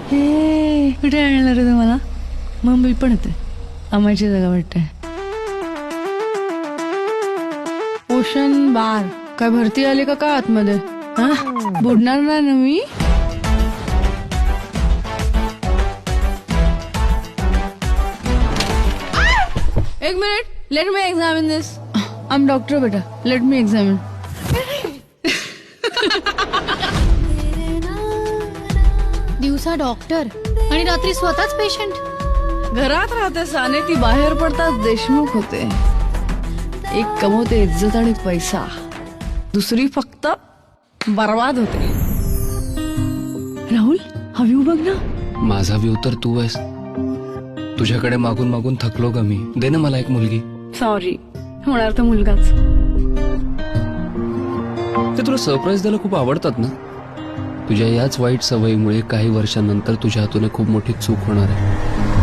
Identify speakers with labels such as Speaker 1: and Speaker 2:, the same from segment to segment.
Speaker 1: हे कुठे आणणार रे तुम्हाला? मुंबई पण येते, आम्हाची जागा वाटते. ओशन बार काय भरती आली का काय आतमध्ये? हा बुडणार नाही ना मी? एक minute, let me examine this. I am doctor बेटा, लेट मी एक्झामिन.
Speaker 2: दिवसा डॉक्टर आणि रात्री स्वतःच पेशंट.
Speaker 1: घरात राहते साने, ती बाहेर पडताच देशमुख होते. एक कमवते इज्जत आणि पैसा, दुसरी फक्त बर्बाद होते. राहुल हा व्ह्यू बघ ना.
Speaker 3: माझा व्ह्यू तर तू आहेस. तुझ्याकडे मागून मागून थकलो ग मी. दे ना मला एक मुलगी.
Speaker 1: सॉरी, होणार तर मुलगाच.
Speaker 3: ते तुला सरप्राईज द्यायला खूप आवडतात ना. तुझ्या याच वाईट सवयीमुळे काही वर्षांनंतर तुझ्या हातून खूप मोठी चूक होणार आहे.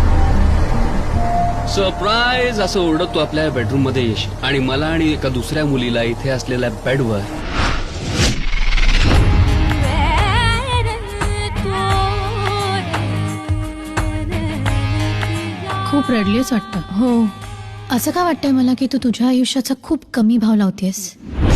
Speaker 3: सरप्राईज असं ओरडत तू आपल्या बेडरूम मध्ये येशील आणि मला आणि एका दुसऱ्या मुलीला इथे असलेल्या बेडवर
Speaker 2: खूप रडलीच वाटतं.
Speaker 1: हो,
Speaker 2: असं का वाटतंय मला की तू तुझ्या आयुष्याचा खूप कमी भाव लावतेस.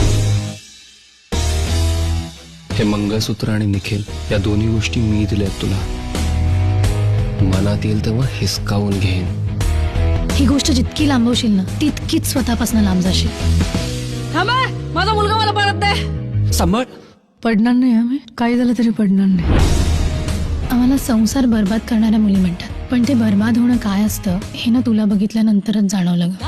Speaker 3: हे मंगळसूत्र आणि निखिल या दोन्ही गोष्टी मी दिल्यात तुला. मनात येईल तेव्हा हिसकावून घेईन.
Speaker 2: ही गोष्ट जितकी लांबवशील ना तितकीच स्वतःपासून लांब जाशील.
Speaker 1: थांबा, माझा मुलगा मला परत दे.
Speaker 3: सांभाळ.
Speaker 1: पडणार नाही आम्ही, काही झालं तरी पडणार नाही.
Speaker 2: आम्हाला संसार बर्बाद करणाऱ्या मुली म्हणतात, पण ते बर्बाद होणं काय असतं हे ना तुला बघितल्यानंतरच जाणवलं ग.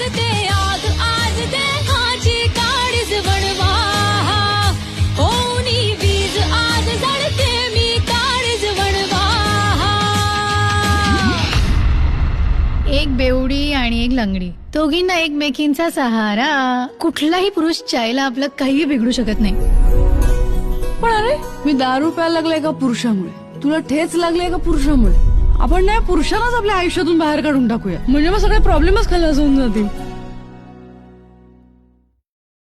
Speaker 2: एक बेवडी आणि एक लंगडी, दोघींना एकमेकींचा सहारा. कुठलाही पुरुष चायला आपलं काही बिघडू शकत नाही.
Speaker 1: पण अरे, मी दारू प्यायला लागले का पुरुषामुळे, तुला ठेच लागले का पुरुषामुळे? आपण नाही पुरुषालाच आपल्या आयुष्यातून बाहेर काढून टाकूया, म्हणजे मग सगळे प्रॉब्लेमच खाली होऊन जातील.